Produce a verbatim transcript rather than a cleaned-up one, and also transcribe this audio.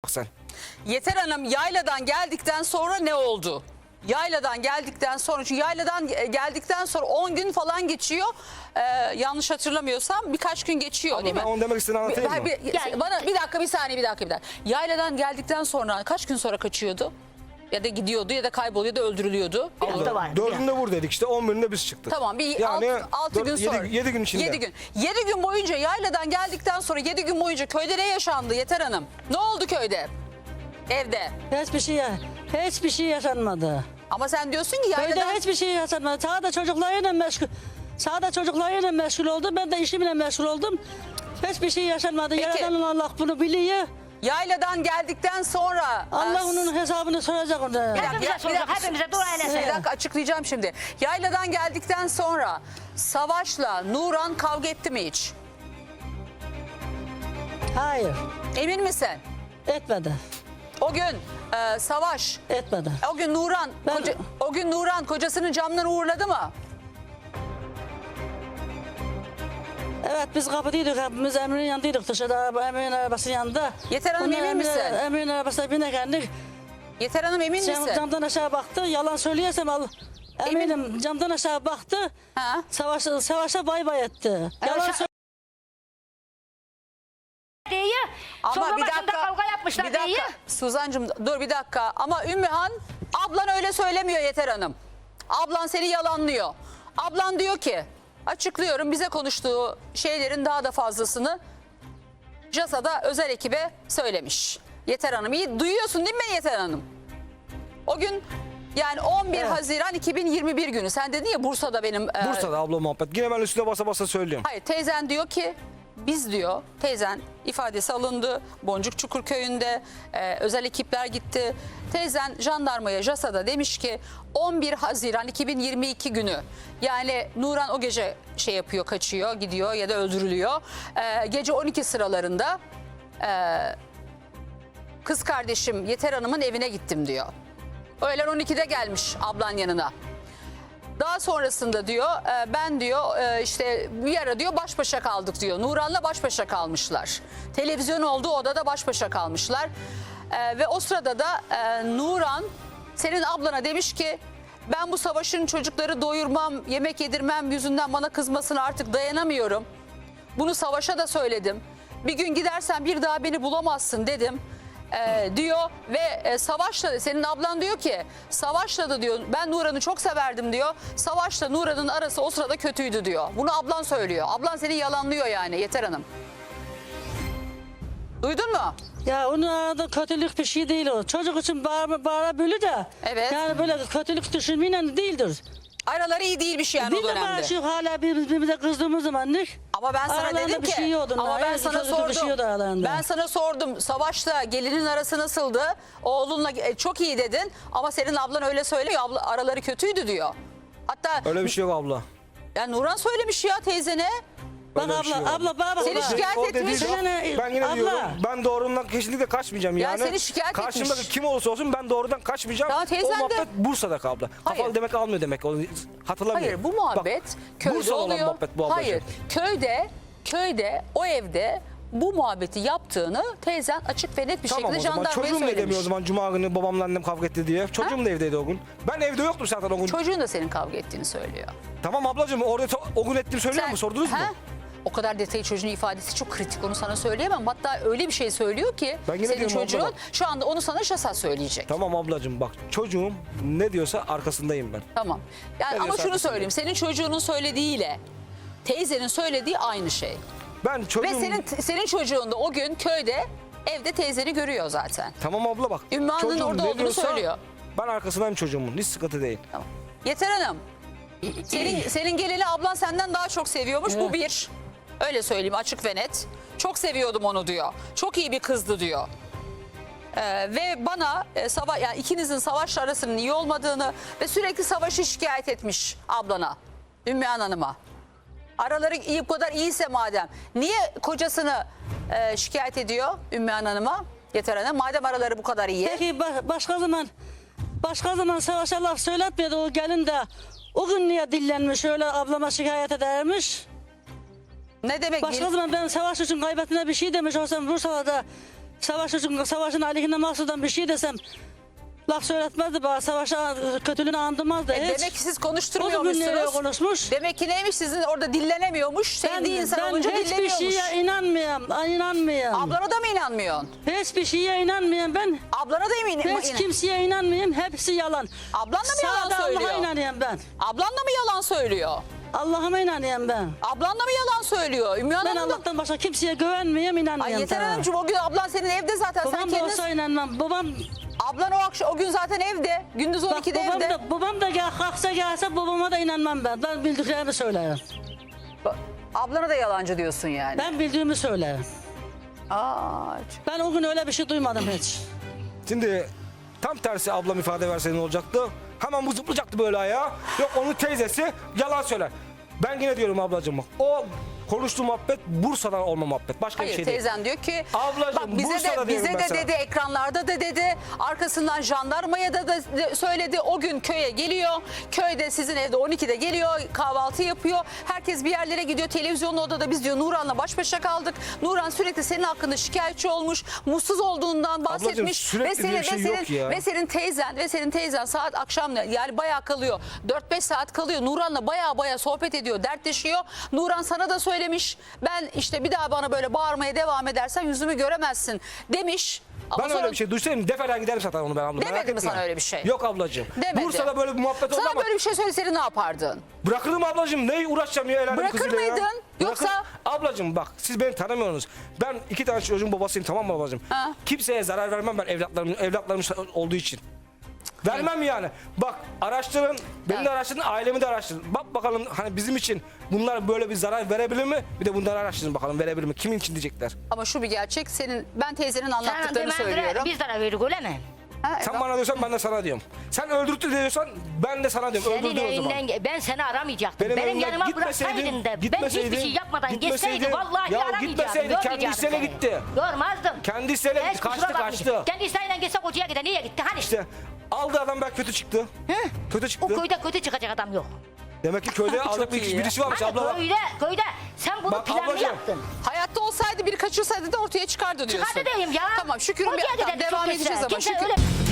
bak sen. Yeter Hanım yayladan geldikten sonra ne oldu? Yayladan geldikten sonra, çünkü yayladan geldikten sonra on gün falan geçiyor. Ee, yanlış hatırlamıyorsam birkaç gün geçiyor Abla, değil mi? ben onu demek istediğini anlatayım mı? Bir, bir, bana bir dakika bir saniye bir dakika bir dakika. Yayladan geldikten sonra kaç gün sonra kaçıyordu? Ya da gidiyordu ya da kayboluyordu, öldürülüyordu. Bir hafta var. Dördünde vur dedik işte, on birinde biz çıktık. Tamam, bir Yani altı, altı dört- gün yedi- sonra. yedi gün içinde. Yedi gün. Yedi gün boyunca yayladan geldikten sonra yedi gün boyunca köyde ne yaşandı Yeter Hanım? Ne oldu köyde? Evde. Hiçbir şey, hiçbir şey yaşanmadı. Ama sen diyorsun ki yayladan... Köyde hiçbir şey yaşanmadı. Sağda çocuklarıyla meşgul. Sağda çocuklarıyla meşgul oldum. Ben de işimle meşgul oldum. Hiçbir şey yaşanmadı. Peki. Yaradan Allah bunu biliyor. Yayladan geldikten sonra... Allah e, onun hesabını soracak ona. Bir dakika, Hepimize bir dakika, soracak, bir dakika. hepimize dua eylesin. Bir dakika açıklayacağım şimdi. Yayladan geldikten sonra Savaş'la Nuran kavga etti mi hiç? Hayır. Emin misin? Etmedi. O gün e, Savaş, Etmedi. o gün Nuran, Ben- koca- o gün Nuran kocasının camdan uğurladı mı? Evet biz kapıdaydık. Hepimiz Emre'nin yanındaydık. Dışarıda Emre'nin arabasının yanında. Yeter Hanım, Bunlar emin Emre- misin? Emre'nin arabasına binerken Yeter Hanım emin cam, misin? camdan aşağı baktı. Yalan söylüyorsam al. Eminim camdan aşağı baktı. Ha? Savaş, savaşa bay bay etti. Yalan şa- söylüyor. Diye. Ama Sonra bir başında dakika, kavga yapmışlar bir dakika. diye. Suzancığım dur bir dakika. Ama Ümmühan, ablan öyle söylemiyor Yeter Hanım. Ablan seni yalanlıyor. Ablan diyor ki, açıklıyorum, bize konuştuğu şeylerin daha da fazlasını C A S A'da özel ekibe söylemiş. Yeter Hanım, iyi duyuyorsun değil mi Yeter Hanım? O gün yani on bir Evet. Haziran iki bin yirmi bir günü. Sen dedin ya Bursa'da benim... e, Bursa'da abla muhabbet. Yine ben üstüne basa basa söylüyorum. Hayır, teyzen diyor ki biz diyor, teyzen ifadesi alındı Boncuk Çukur köyünde, e, özel ekipler gitti. Teyzen jandarmaya, C A S A'da demiş ki on bir Haziran iki bin yirmi iki günü, yani Nuran o gece şey yapıyor, kaçıyor, gidiyor ya da öldürülüyor. E, gece on iki sıralarında e, kız kardeşim Yeter Hanım'ın evine gittim diyor. Öğlen on ikide gelmiş ablan yanına. Daha sonrasında diyor e, ben diyor e, işte bir ara diyor baş başa kaldık diyor. Nuran'la baş başa kalmışlar. Televizyon olduğu odada baş başa kalmışlar. E, ve o sırada da e, Nuran senin ablana demiş ki ben bu Savaş'ın çocukları doyurmam, yemek yedirmem yüzünden bana kızmasına artık dayanamıyorum. Bunu Savaş'a da söyledim. Bir gün gidersen bir daha beni bulamazsın dedim. Ee, diyor ve e, Savaş'la, senin ablan diyor ki Savaş'la da diyor ben Nuran'ı çok severdim diyor. Savaş'la Nuran'ın arası o sırada kötüydü diyor. Bunu ablan söylüyor. Ablan seni yalanlıyor yani Yeter Hanım. Duydun mu? Ya onun arada kötülük bir şey değil o. Çocuk için bağır, bağırabilir de. Evet. Yani böyle kötülük düşünmeyle değildir. Araları iyi değilmiş yani o Biz de dönemde. bağırışıyoruz hala birbirimize kızdığımız zaman ne? Ama ben sana Aralarında dedim bir ki şey yoktu. ama ben Hayır, sana kötülük bir şey sordum. yoktu aralarında. Ben sana sordum. Savaş'la gelinin arası nasıldı? Oğlunla e, çok iyi dedin ama senin ablan öyle söylemiyor. Abla, araları kötüydü diyor. Hatta Öyle bir şey yok abla. yani Nuran söylemiş ya teyzene. Bak Öyle bir abla, şey yok. abla bana bak. Seni bak. şikayet O etmiş. dediği Sen yok. ne- Ben yine abla. diyorum ben doğrumdan kesinlikle kaçmayacağım Ya yani. seni şikayet Karşımdaki etmiş. kim olursa olsun ben doğrudan kaçmayacağım. Tamam, teyzen o de- muhabbet Bursa'da abla. Hayır. Kafalı demek almıyor demek. Onu hatırlamıyorum. Hayır bu muhabbet Bak, köyde Bursa'da olan oluyor. muhabbet bu ablacığım. Hayır köyde köyde o evde bu muhabbeti yaptığını teyzen açık ve net bir Tamam şekilde o zaman jandarmaya çocuğum da söylemiş. demiyor o zaman cuma günü babamla annem kavga etti diye. Çocuğum da evdeydi o gün. Ben evde yoktum zaten o gün. Çocuğun da senin kavga ettiğini söylüyor. Tamam ablacığım orada to- o gün ettiğimi söylüyor Sen- mu? Sordunuz mu? He? O kadar detayı çocuğun ifadesi çok kritik, onu sana söyleyemem. Hatta öyle bir şey söylüyor ki Ben yine senin diyorum abla çocuğun bak. şu anda onu sana şasa söyleyecek. Tamam ablacığım bak çocuğum ne diyorsa arkasındayım ben. Tamam. Yani Ne ama diyorsa şunu arkasındayım. söyleyeyim. Senin çocuğunun söylediğiyle teyzenin söylediği aynı şey. Ben çocuğum... Ve senin senin çocuğun da o gün köyde evde teyzeni görüyor zaten. Tamam abla bak. Ümmü Hanım'ın çocuğum orada ne olduğunu diyorsa söylüyor. Ben arkasındayım çocuğumun. Hiç sıkıntı değil. Tamam. Yeter Hanım. Senin senin gelini ablan senden daha çok seviyormuş. Bu bir. Öyle söyleyeyim açık ve net. Çok seviyordum onu diyor. Çok iyi bir kızdı diyor. Ee, ve bana e, sava yani ikinizin Savaş'la arasının iyi olmadığını ve sürekli Savaş'ı şikayet etmiş ablana. Ümmühan Hanım'a. Araları iyi, bu kadar iyiyse madem niye kocasını e, şikayet ediyor Ümmühan Hanım'a? Yeter Hanım madem araları bu kadar iyi. Peki ba- başka zaman başka zaman Savaş'a laf söyletmedi o gelin de o gün niye dillenmiş öyle ablama şikayet edermiş. Ne demek? Başka zaman ben Savaş için kaybettiğine bir şey demiş olsam Bursa'da Savaş için, savaşın aleyhine mahsudan bir şey desem laf söyletmezdi bana. Savaşa kötülüğünü andırmazdı E, hiç. demek ki siz O da nereye konuşturmuyormuşsunuz. konuşmuş. Demek ki neymiş sizin orada dillenemiyormuş. Sevdiği insan ben olunca hiçbir dinlemiyormuş. şeye inanmıyorum. Ay, inanmıyorum. Ablana da mı inanmıyorsun? Hiçbir şeye inanmıyorum ben. Ablana da mı inan? Hiç kimseye inanmıyorum. Hepsi yalan. Ablan da mı yalan Sadece söylüyor? Allah'a inanıyorum ben. Ablan da mı yalan söylüyor? Allah'ıma inanıyorum ben. Ablan da mı yalan söylüyor? Ümmü Ben Hanım da... Allah'tan başka kimseye güvenmiyorum, inanmıyorum. Ay Yeter sana. Hanımcığım o gün ablan senin evde zaten. Sen Babam da kendin... olsa inanmam. Babam, Ablan o akşam o gün zaten evde. Gündüz on bak, ikide babam evde. da, babam da gel, kalksa gelse babama da inanmam ben. Ben bildiklerimi söylerim. Ba- Ablana da yalancı diyorsun yani. Ben bildiğimi söylerim. Aa, Ben o gün öyle bir şey duymadım hiç. Şimdi tam tersi ablam ifade verse ne olacaktı? Hemen bu zıplayacaktı böyle ayağa. Yok onun teyzesi yalan söyler. Ben yine diyorum ablacığım bak. O konuştuğu muhabbet Bursa'dan olma muhabbet. Başka hayır bir şey değil. teyzen diyor ki Ablacığım, bak bize Bursa'da de diyorum bize ben de sana. dedi ekranlarda da dedi arkasından jandarmaya da, da de- söyledi o gün köye geliyor köyde sizin evde on ikide geliyor kahvaltı yapıyor herkes bir yerlere gidiyor televizyonlu odada biz diyor Nuran'la baş başa kaldık Nuran sürekli senin hakkında şikayetçi olmuş mutsuz olduğundan bahsetmiş sürekli ve senin diye bir şey ve senin yok ya. ve senin teyzen ve senin teyzen saat akşam yani bayağı kalıyor dört beş saat kalıyor Nuran'la bayağı bayağı sohbet ediyor dertleşiyor Nuran sana da söylemiş ben işte bir daha bana böyle bağırmaya devam edersen yüzümü göremezsin demiş. Ama Ben sonra- öyle bir şey duysaydım defaten giderim zaten onu ben abla. Demedi merak mi etme. sana öyle bir şey? Yok ablacığım. Demedi. Bursa'da böyle bir muhabbet oldu Sana ama böyle bir şey söyleseydi ne yapardın? bırakırım ablacığım. Ne uğraşacağım ya el alem Bırakır kızıyla ya. mıydın? Yoksa- Bırakır- Ablacığım bak siz beni tanımıyorsunuz. Ben iki tane çocuğun babasıyım tamam mı ablacığım? Ha. Kimseye zarar vermem ben evlatlarım, evlatlarım olduğu için. Vermem yani. Bak araştırın, beni Evet. de araştırın, ailemi de araştırın. Bak bakalım hani bizim için bunlar böyle bir zarar verebilir mi? Bir de bunları araştırın bakalım verebilir mi? Kimin için diyecekler. Ama şu bir gerçek senin ben teyzenin Sen anlattıklarını söylüyorum. biz zarar verdik öyle mi? Ha, Sen evet. bana diyorsan ben de sana diyorum. Sen öldürttü diyorsan ben de sana diyorum. Senin Öldürdü o zaman. evinden ben seni aramayacaktım. Benim Benim, evimden yanıma gitmeseydin, bıraksaydın da ben gitmeseydin, hiçbir şey yapmadan gitmeseydin, geçseydi vallahi ya aramayacaktım. gitmeseydin, kendi görmeyecektim isteğine seni. gitti. Görmezdim. Kendi isteğine gitti, Hiç kaçtı, kusura bakmayın. kaçtı. Kendi isteğiyle gitse kocaya gider. Niye gitti? Hani? İşte aldı adam belki kötü çıktı. Hı? Kötü O çıktı. köyde kötü çıkacak adam yok. Demek ki köyde alacak bir iyi ya. birisi varmış Hani abla. bak. köyde, köyde sen bunu Bak planlı ablacığım. yaptın. Hayatta olsaydı biri kaçırsaydı da ortaya çıkardı diyorsun. Çıkardı diyeyim ya. Tamam Şükür'ün Kocaya bir giderdi devam çok edeceğiz güzel. ama Kimse Şükür. öyle-